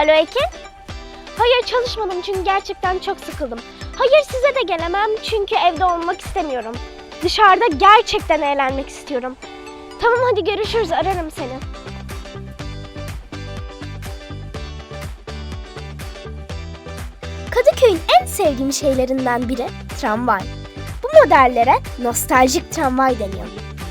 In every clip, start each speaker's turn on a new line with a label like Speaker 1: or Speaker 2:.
Speaker 1: Alo Ekin? Hayır çalışmadım çünkü gerçekten çok sıkıldım. Hayır size de gelemem çünkü evde olmak istemiyorum. Dışarıda gerçekten eğlenmek istiyorum. Tamam hadi görüşürüz, ararım seni. Kadıköy'ün en sevdiğim şeylerinden biri tramvay. Bu modellere nostaljik tramvay deniyor.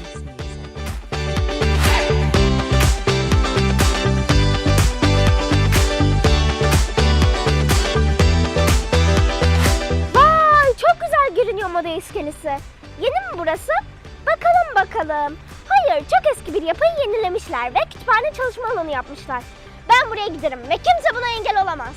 Speaker 1: Vay çok güzel görünüyor moda iskelesi. Yeni mi burası? Bakalım. Hayır çok eski bir yapıyı yenilemişler ve kütüphane çalışma alanı yapmışlar. Ben buraya giderim ve kimse buna engel olamaz.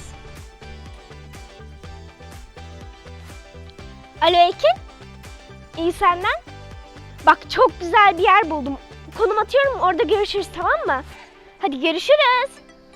Speaker 1: Alo Ekin? İyi senden? Bak çok güzel bir yer buldum. Konum atıyorum orada görüşürüz tamam mı? Hadi görüşürüz.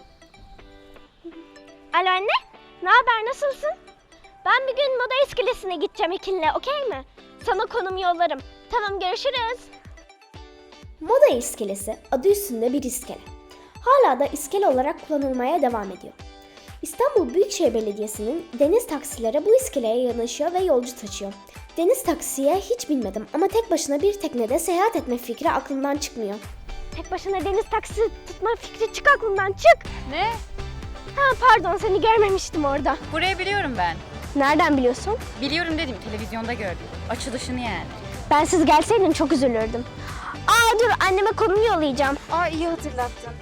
Speaker 1: Alo anne? Ne haber nasılsın? Ben bir gün moda iskelesine gideceğim Ekin'le okey mi? Sana konum yollarım. Tamam görüşürüz. Moda iskelesi adı üstünde bir iskele. Hala da iskele olarak kullanılmaya devam ediyor. İstanbul Büyükşehir Belediyesi'nin deniz taksileri bu iskeleye yanaşıyor ve yolcu taşıyor. Deniz taksiye hiç binmedim ama tek başına bir teknede seyahat etme fikri aklımdan çıkmıyor. Tek başına deniz taksi tutma fikri çık aklımdan çık.
Speaker 2: Ne?
Speaker 1: Ha pardon seni görmemiştim orada.
Speaker 2: Burayı biliyorum ben.
Speaker 1: Nereden biliyorsun?
Speaker 2: Biliyorum dedim, televizyonda gördüm. Açılışını yani.
Speaker 1: Ben siz gelseydin çok üzülürdüm. Aa dur anneme konum yollayacağım.
Speaker 2: Aa iyi hatırlattın.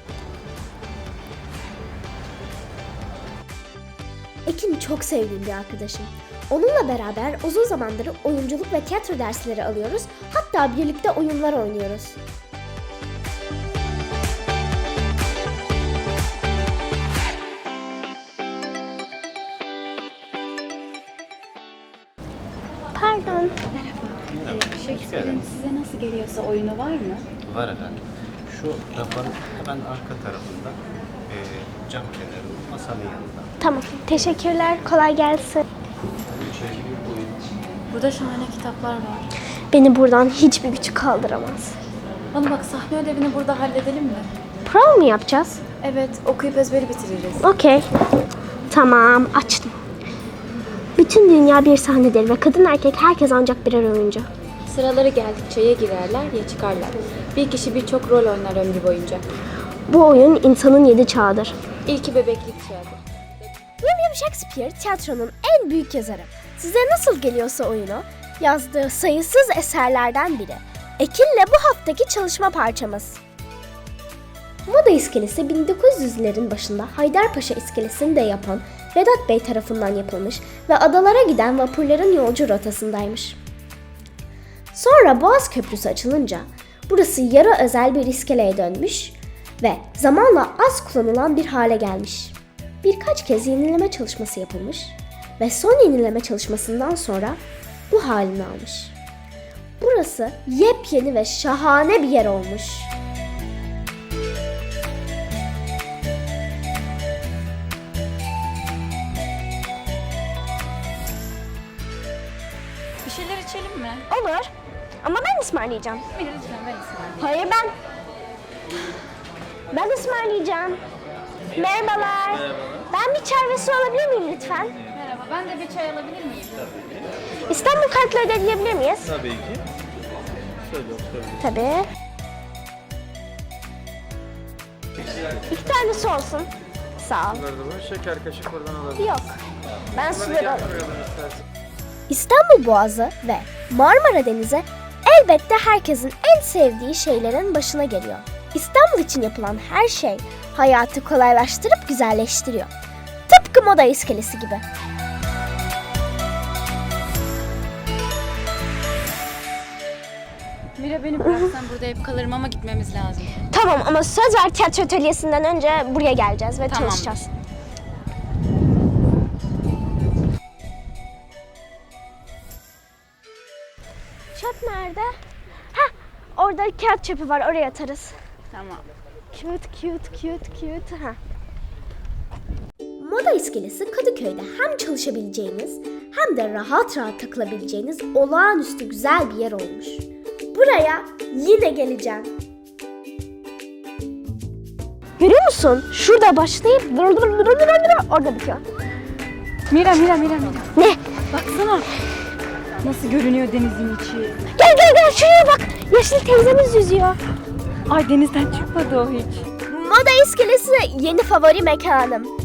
Speaker 1: Ekin çok sevdiğim bir arkadaşım. Onunla beraber uzun zamandır oyunculuk ve tiyatro dersleri alıyoruz. Hatta birlikte oyunlar oynuyoruz. Pardon.
Speaker 2: Shakespeare'in size nasıl geliyorsa oyunu var mı?
Speaker 3: Var efendim. Şu rafın hemen arka tarafında cam kenarı masanın yanında.
Speaker 1: Tamam. Teşekkürler. Kolay gelsin.
Speaker 2: Burada şahane kitaplar var.
Speaker 1: Beni buradan hiçbir güç kaldıramaz.
Speaker 2: Bana bak, sahne ödevini burada halledelim mi?
Speaker 1: Prova mı yapacağız?
Speaker 2: Evet, okuyup ezberi bitiririz.
Speaker 1: Okey. Tamam. Açtım. Bütün dünya bir sahnedir ve kadın erkek herkes ancak birer oyuncu.
Speaker 2: Sıraları geldikçe ya girerler ya çıkarlar. Bir kişi birçok rol oynar ömrü boyunca.
Speaker 1: Bu oyun insanın 7 çağıdır.
Speaker 2: İlki bebeklik çağıdır.
Speaker 1: William Shakespeare tiyatronun en büyük yazarı. Size nasıl geliyorsa oyunu, yazdığı sayısız eserlerden biri. Ekin'le bu haftaki çalışma parçamız. Moda iskelesi 1900'lerin başında Haydarpaşa iskelesini de yapan Vedat Bey tarafından yapılmış ve adalara giden vapurların yolcu rotasındaymış. Sonra Boğaz Köprüsü açılınca burası yarı özel bir iskeleye dönmüş ve zamanla az kullanılan bir hale gelmiş. Birkaç kez yenileme çalışması yapılmış ve son yenileme çalışmasından sonra bu halini almış. Burası yepyeni ve şahane bir yer olmuş.
Speaker 2: Bir şeyler içelim mi?
Speaker 1: Olur ama ben ısmarlayacağım.
Speaker 2: Lütfen ben ısmarlayayım.
Speaker 1: Hayır ben ısmarlayacağım. Merhabalar. Ben bir çay ve su alabilir miyim lütfen?
Speaker 2: Merhaba, ben de bir çay alabilir miyim?
Speaker 1: İstanbul kartla ödeyebilir miyiz?
Speaker 3: Tabii ki. Şöyle
Speaker 1: Tabii. 2 tane su olsun. Sağ ol.
Speaker 3: şeker kaşık buradan alabilir.
Speaker 1: Yok. Ben suları alayım. İstanbul Boğazı ve Marmara Denizi elbette herkesin en sevdiği şeylerin başına geliyor. İstanbul için yapılan her şey hayatı kolaylaştırıp güzelleştiriyor. Tıpkı moda iskelesi gibi.
Speaker 2: Mira beni bıraksan burada hep kalırım ama gitmemiz lazım.
Speaker 1: Tamam ama söz ver tiyatro atölyesinden önce buraya geleceğiz ve
Speaker 2: Tamam.
Speaker 1: çalışacağız. Çöp nerede? Heh, orada kağıt çöpü var oraya atarız.
Speaker 2: Tamam.
Speaker 1: Cute. Ha. Moda iskelesi Kadıköy'de hem çalışabileceğiniz hem de rahat rahat takılabileceğiniz olağanüstü güzel bir yer olmuş. Buraya yine geleceğim. Görüyor musun? Şurada başlayıp orada bitiyor.
Speaker 2: Mira.
Speaker 1: Ne?
Speaker 2: Baksana. Nasıl görünüyor denizin içi.
Speaker 1: Gel şuraya bak. Yeşil teyzemiz yüzüyor.
Speaker 2: Ay denizden çıkmadı o hiç.
Speaker 1: Moda iskelesi yeni favori mekanım.